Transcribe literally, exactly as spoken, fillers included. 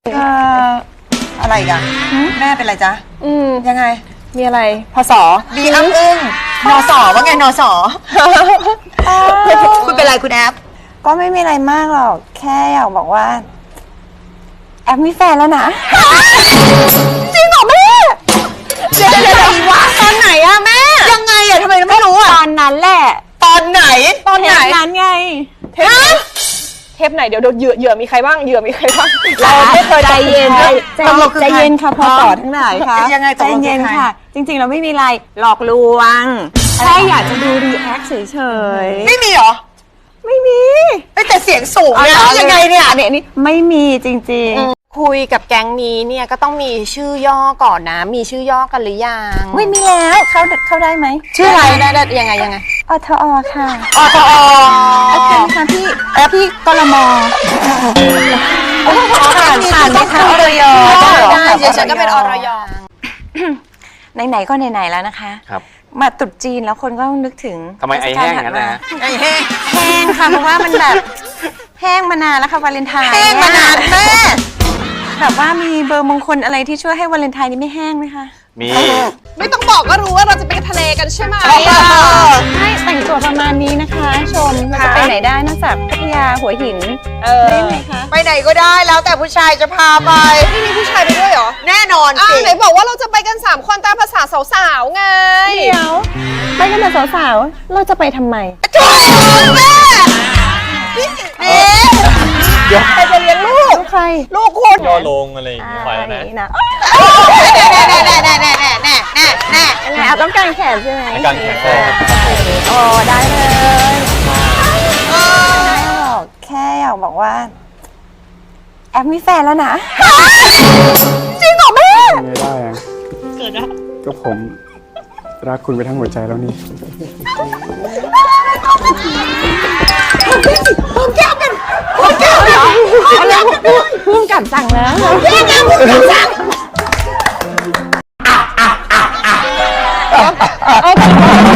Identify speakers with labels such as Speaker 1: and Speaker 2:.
Speaker 1: เอ่ออะไรอีกันแม่เป็นไรจ๊ะ
Speaker 2: อืม
Speaker 1: ยังไง
Speaker 2: มีอะไรพศ
Speaker 1: บีอัพอึ้งนอสอว่าไงนอสอคุณเป็นไรคุณแอฟ
Speaker 3: ก็ไม่มีอะไรมากหรอกแค่อยากบอกว่าแอปมีแฟนแล้วนะจริงเหรอแม่
Speaker 1: เดี๋ยวเดี๋ยววะตอนไหนอะแม่ยังไงอะทำไมไม่รู้อะ
Speaker 3: ตอนนั้นแหละ
Speaker 1: ตอนไหน
Speaker 2: ตอนไหน
Speaker 3: เทปนั้นไง
Speaker 2: เทปไหนเทปไหนเดี๋ยวเดี๋ยวเหยื่อเหยื่อมีใครบ้างเหยื่อมีใครบ้างเราไม่เคย
Speaker 3: ใจเย็น
Speaker 2: ใจ
Speaker 3: ใจใจเย็นค่ะพอต่อทั้งหลายค่ะ
Speaker 1: ยังไงต
Speaker 3: ใจ
Speaker 1: กลง
Speaker 3: เย็น
Speaker 1: คือใคร
Speaker 3: ค่ะ จริงๆเราไม่มีอะไรหลอกลวงแค่อยากจะดูรีแอคเฉยๆ
Speaker 1: ไม่มีเหรอ
Speaker 3: ไม่มี
Speaker 1: เอ้ยแต่เสียงสูงเนี่ยยังไงเนี่ย
Speaker 3: อันนี้อันนี้ไม่มีจริง
Speaker 2: คุยกับแก๊งนี้เนี่ยก็ต้องมีชื่อย่อก่อนนะ มีชื่อย่อกันหรือยัง
Speaker 3: ๆไม่มีแล้วเข้าเข้าได้ไหม
Speaker 2: ชื่ออะไรได้ได้ยังไงยังไง
Speaker 3: อทอค่ะ
Speaker 1: อทอ
Speaker 3: โอเคค่ะพี่พี่กลม
Speaker 1: ผ่านผ่านไหมคะอรย
Speaker 2: ได้เดี๋ยวฉันก็เป็นอรย
Speaker 3: ไหนๆก็ไหนๆแล้วนะคะ
Speaker 4: ครับ
Speaker 3: มาตรุษจีนแล้วคนก็นึกถึง
Speaker 4: ทำไมไอแห้งอย่างนั้นนะฮะ
Speaker 1: ไอ้แห้ง
Speaker 3: แห้งค่ะเพราะว่ามันแบบแห้งมานานแล้วค่ะวาเลนไทน์
Speaker 1: แห้งมานานแม่
Speaker 3: แบบว่ามีเบอร์มงคลอะไรที่ช่วยให้วาเลนไทน์นี้ไม่แห้งไหมคะ
Speaker 4: มี
Speaker 2: ไม่ต้องบอกก็รู้ว่าเราจะไปทะเลกันใช่ไหม
Speaker 3: ใช่แต่งตัวประมาณนี้นะคะชมเราจะไปไหนได้นอกจากพัทยาหัวหิน
Speaker 2: เออ
Speaker 3: ได้ไหมคะ
Speaker 1: ไปไหนก็ได้แล้วแต่ผู้ชายจะพาไป
Speaker 2: ไม่มีผู้ชายไปด้วยเหรอ
Speaker 1: แน่นอน
Speaker 2: อ้า
Speaker 1: สิ
Speaker 2: วไหนบอกว่าเราจะไปกันสามคนตามภาษาสาวๆไง
Speaker 3: เดี๋ยวไปกันแต่สาวๆเราจะไปทำไม
Speaker 1: ถูกแม่นี่
Speaker 2: ใครจะเลี้ยงลูก
Speaker 3: ลูกใคร
Speaker 1: ลูกคุณ
Speaker 5: ย่อลงอะไรอย่างงี้ไปแล้วนะ
Speaker 3: นี่นะ
Speaker 1: แน่แน่แน่แน่แน่แน่แน่แน่แน่
Speaker 3: ยังไงเอาต้องการแขนใช่ไหม
Speaker 5: ต้องการแขน
Speaker 3: โอ้ได้เลยไม่หรอกแค่อยากบอกว่าแอปมีแฟนแล้วนะจริงเหรอแม่
Speaker 6: ไม่ได้อะเกิดอะก็ผมรักคุณไปทั้งหัวใจแล้วนี่
Speaker 3: พุ่งกลับสั่งแล้ว
Speaker 2: เอา